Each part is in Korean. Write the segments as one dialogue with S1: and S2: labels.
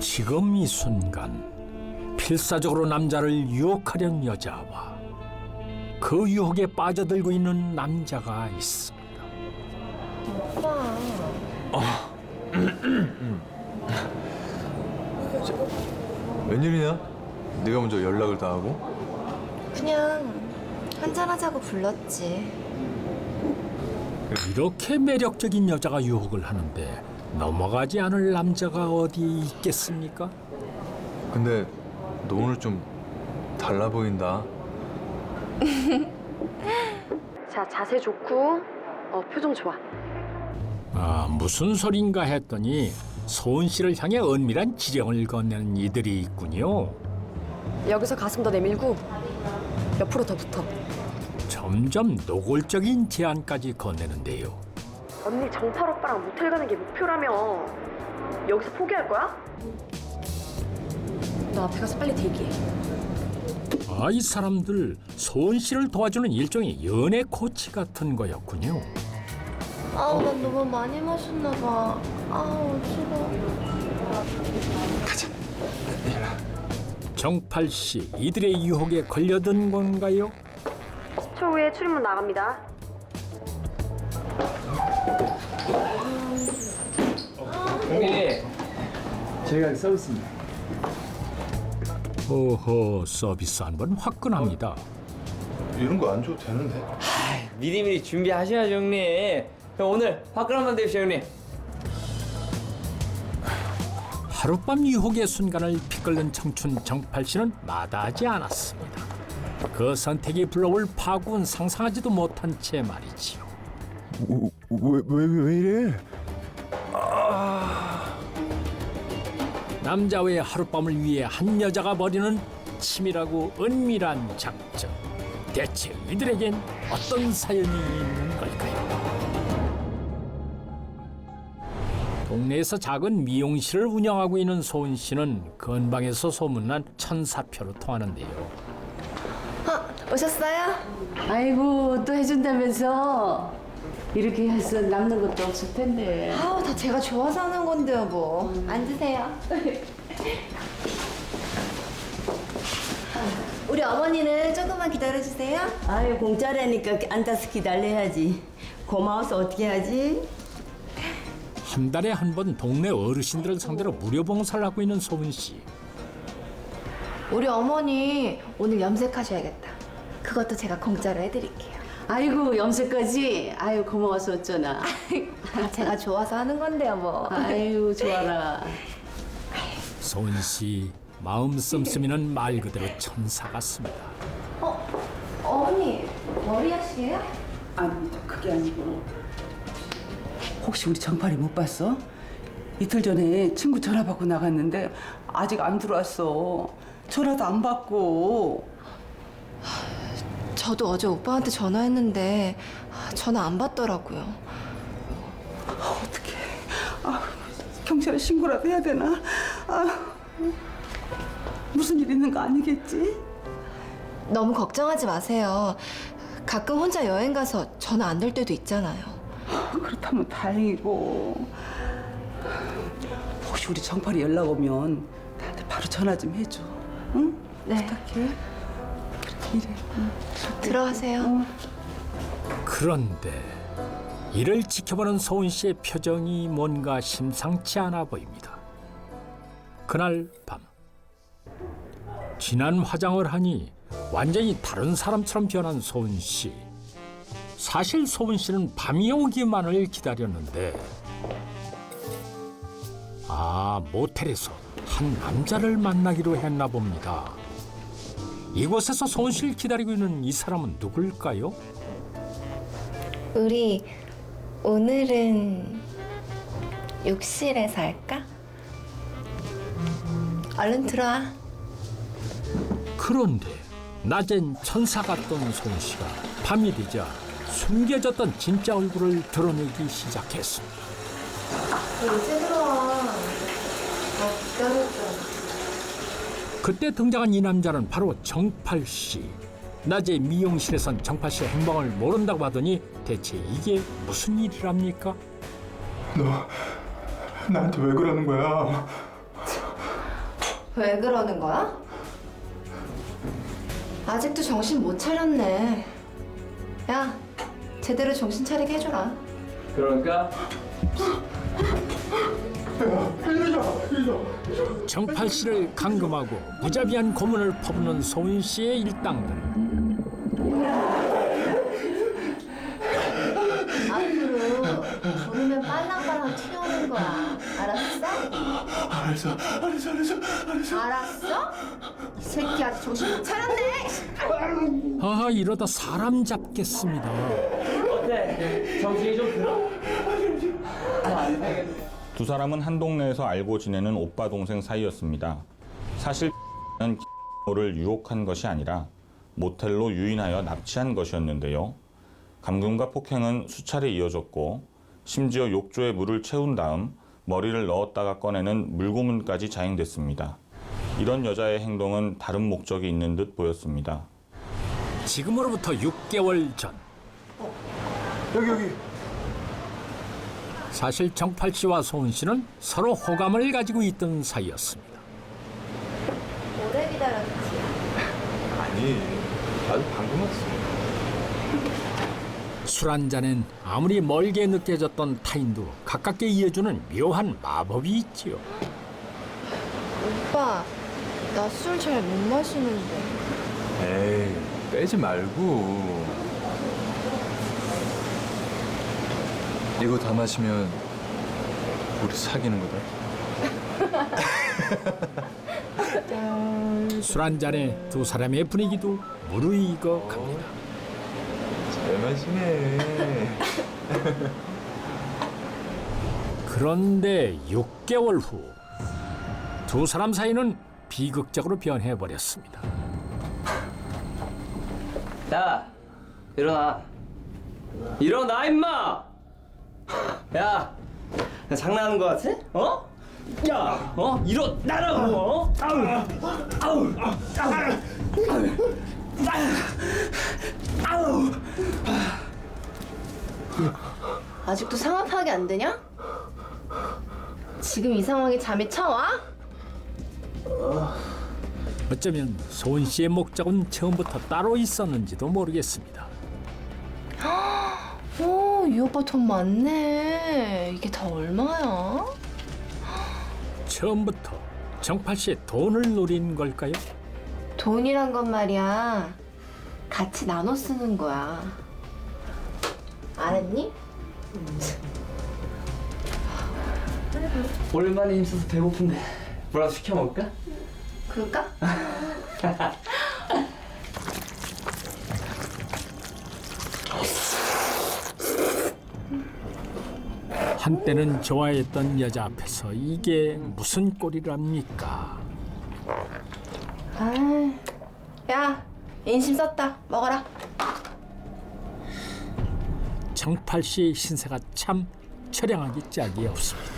S1: 지금 이 순간 필사적으로 남자를 유혹하려는 여자와 그 유혹에 빠져들고 있는 남자가 있습니다.
S2: 오빠.
S3: 웬일이냐? 네가 먼저 연락을 다 하고?
S2: 그냥 한잔하자고 불렀지.
S1: 이렇게 매력적인 여자가 유혹을 하는데 넘어가지 않을 남자가 어디 있겠습니까?
S3: 근데 너 오늘 좀 달라 보인다.
S4: 자, 자세 좋고 표정 좋아.
S1: 아, 무슨 소린가 했더니 소은 씨를 향해 은밀한 지령을 건네는 이들이 있군요.
S4: 여기서 가슴 더 내밀고 옆으로 더 붙어.
S1: 점점 노골적인 제안까지 건네는데요.
S4: 언니 정팔 오빠랑 모텔 가는 게 목표라며. 여기서 포기할 거야? 너 앞에 가서 빨리 대기해.
S1: 아, 이 사람들 소은 씨를 도와주는 일종의 연애 코치 같은 거였군요.
S2: 아우, 난 너무 많이 마셨나 봐. 아우, 싫어.
S1: 정팔 씨, 이들의 유혹에 걸려든 건가요?
S4: 10초 후에 출입문 나갑니다.
S5: 형님, 저희가 서비스입니다.
S1: 오호, 서비스 한 번 화끈합니다.
S3: 이런 거 안 줘도 되는데.
S5: 미리미리 준비하셔야죠, 형님. 형 오늘 화끈한만 되십시오, 형님.
S1: 하룻밤 유혹의 순간을 피끓는 청춘 정팔 씨는 마다하지 않았습니다. 그 선택이 불러올 파국은 상상하지도 못한 채 말이지요.
S3: 왜 이래?
S1: 남자 외 하룻밤을 위해 한 여자가 벌이는 치밀하고 은밀한 작전. 대체 이들에겐 어떤 사연이 있는 걸까요? 동네에서 작은 미용실을 운영하고 있는 소은 씨는 근방에서 소문난 천사표로 통하는데요.
S2: 오셨어요?
S6: 아이고 또 해준다면서 이렇게 해서 남는 것도 없을 텐데.
S2: 아우, 다 제가 좋아서 하는 건데요, 뭐. 앉으세요. 우리 어머니는 조금만 기다려주세요.
S6: 아유 공짜라니까 앉아서 기다려야지. 고마워서 어떻게 하지?
S1: 한 달에 한 번 동네 어르신들을 상대로 무료 봉사를 하고 있는 소은 씨.
S2: 우리 어머니 오늘 염색하셔야겠다. 그것도 제가 공짜로 해드릴게요.
S6: 아이고 염색까지. 아유 고마워서 어쩌나.
S2: 제가 좋아서 하는 건데요, 뭐.
S6: 아유 좋아라.
S1: 소은 씨 마음 씀씀이는 말 그대로 천사 같습니다.
S2: 어머니, 머리 하시게요?
S6: 아닙니다. 그게 아니고. 혹시 우리 정팔이 못 봤어? 이틀 전에 친구 전화 받고 나갔는데 아직 안 들어왔어. 전화도 안 받고.
S2: 저도 어제 오빠한테 전화했는데 전화 안 받더라고요.
S6: 어떡해. 경찰에 신고라도 해야 되나? 무슨 일 있는 거 아니겠지?
S2: 너무 걱정하지 마세요. 가끔 혼자 여행 가서 전화 안 될 때도 있잖아요.
S6: 그렇다면 다행이고. 혹시 우리 정팔이 연락 오면 나한테 바로 전화 좀 해줘. 응?
S2: 네.
S6: 부탁해. 그렇게 이래. 응.
S2: 들어가세요.
S1: 그런데 이를 지켜보는 소은 씨의 표정이 뭔가 심상치 않아 보입니다. 그날 밤 진한 화장을 하니 완전히 다른 사람처럼 변한 소은 씨. 사실 소은 씨는 밤이 오기만을 기다렸는데 모텔에서 한 남자를 만나기로 했나 봅니다. 이곳에서 소은 씨를 기다리고 있는 이 사람은 누굴까요?
S2: 우리 오늘은 욕실에서 할까? 얼른 들어와.
S1: 그런데 낮엔 천사 같던 소은 씨가 밤이 되자 숨겨졌던 진짜 얼굴을 드러내기 시작했습니다.
S2: 이제 들어와. 기다렸잖아.
S1: 그때 등장한 이 남자는 바로 정팔 씨. 낮에 미용실에선 정팔 씨의 행방을 모른다고 하더니 대체 이게 무슨 일이랍니까?
S3: 너 나한테 왜 그러는 거야?
S2: 왜 그러는 거야? 아직도 정신 못 차렸네. 야, 제대로 정신 차리게 해줘라.
S5: 그러니까
S1: 정팔 씨를 감금하고 무자비한 고문을 퍼붓는 소은 씨의 일당들.
S2: 앞으로 부르면 빨랑빨랑 튀어오는 거야. 알았어? 알았어? 이 새끼 아직 정신 못 차렸네.
S1: 하하, 이러다 사람 잡겠습니다.
S5: 어때? 정신이 좀 들어?
S7: 두 사람은 한 동네에서 알고 지내는 오빠 동생 사이였습니다. 사실 는 를 유혹한 것이 아니라 모텔로 유인하여 납치한 것이었는데요. 감금과 폭행은 수차례 이어졌고 심지어 욕조에 물을 채운 다음 머리를 넣었다가 꺼내는 물고문까지 자행됐습니다. 이런 여자의 행동은 다른 목적이 있는 듯 보였습니다.
S1: 지금으로부터 6개월 전.
S3: 여기.
S1: 사실 정팔 씨와 소은 씨는 서로 호감을 가지고 있던 사이였습니다.
S2: 오래 기다렸지.
S3: 아니, 나도 방금 왔어.
S1: 술 한 잔엔 아무리 멀게 느껴졌던 타인도 가깝게 이어주는 묘한 마법이 있지요.
S2: 오빠, 나 술 잘 못 마시는데.
S3: 에이, 빼지 말고. 이거 다 마시면 우리 사귀는 거다.
S1: 술 한 잔에 두 사람의 분위기도 무르익어 갑니다.
S3: 잘 마시네.
S1: 그런데 6개월 후 두 사람 사이는 비극적으로 변해버렸습니다.
S5: 야, 일어나. 일어나, 임마! 야, 나 장난하는 거 같아? 어? 야, 일어나라고! 어? 아우!
S2: 아직도 상황 파악이 안 되냐? 지금 이 상황에 잠이 쳐와?
S1: 어쩌면 소은 씨의 목적은 처음부터 따로 있었는지도 모르겠습니다.
S2: 오, 이 오빠 돈 많네. 이게 다 얼마야?
S1: 처음부터 정팔 씨의 돈을 노린 걸까요?
S2: 돈이란 건 말이야. 같이 나눠 쓰는 거야. 알았니?
S5: 오랜만에 힘써서 배고픈데 뭐라도 시켜 먹을까?
S2: 그럴까?
S1: 한때는 좋아했던 여자 앞에서 이게 무슨 꼴이랍니까?
S2: 아, 야, 인심 썼다. 먹어라.
S1: 정팔 씨의 신세가 참 처량하기 짝이 없습니다.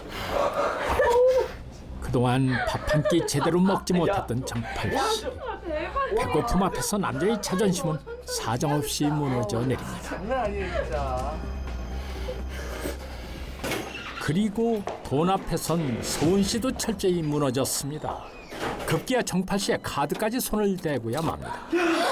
S1: 그동안 밥 한 끼 제대로 먹지 못했던 정팔 씨. 배고픔 앞에서 남자의 자존심은 사정없이 무너져 내립니다.
S5: 장난 아니에요, 진짜.
S1: 그리고 돈 앞에선 소은 씨도 철저히 무너졌습니다. 급기야 정팔 씨의 카드까지 손을 대고야 맙니다.